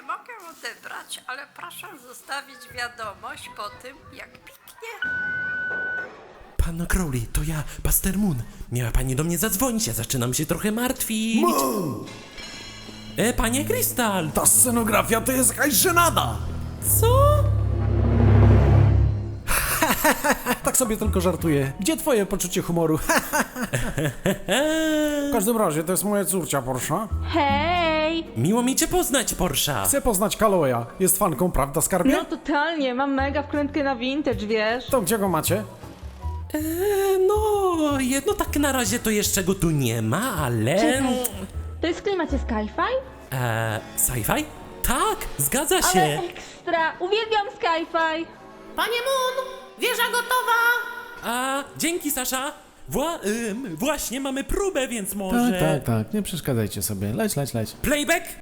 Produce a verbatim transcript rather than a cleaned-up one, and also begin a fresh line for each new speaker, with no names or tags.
mogę odebrać, ale proszę zostawić wiadomość po tym, jak piknie.
Panno Crowley, to ja, Buster Moon. Miała pani do mnie zadzwonić, ja zaczynam się trochę martwić.
Moon!
E, panie Krystal!
Ta scenografia to jest jakaś żenada!
Co?
Tak sobie tylko żartuję. Gdzie twoje poczucie humoru? W każdym razie, to jest moja córcia Porsche.
Hej!
Miło mi cię poznać, Porsche.
Chcę poznać Kaloya. Jest fanką, prawda, skarbie?
No totalnie, mam mega wkrętkę na vintage, wiesz?
To gdzie go macie?
E, no, jedno tak na razie to jeszcze go tu nie ma, ale...
Czekaj, to jest w klimacie sci-fi?
E, sci-fi? Tak, zgadza
Ale
się.
ekstra! Uwielbiam sci-fi!
Panie Moon, wieża gotowa!
A, dzięki, Sasza. Wła ym, właśnie mamy próbę, więc może...
Tak, tak, tak. Nie przeszkadzajcie sobie. Leć, leć, leć.
Playback?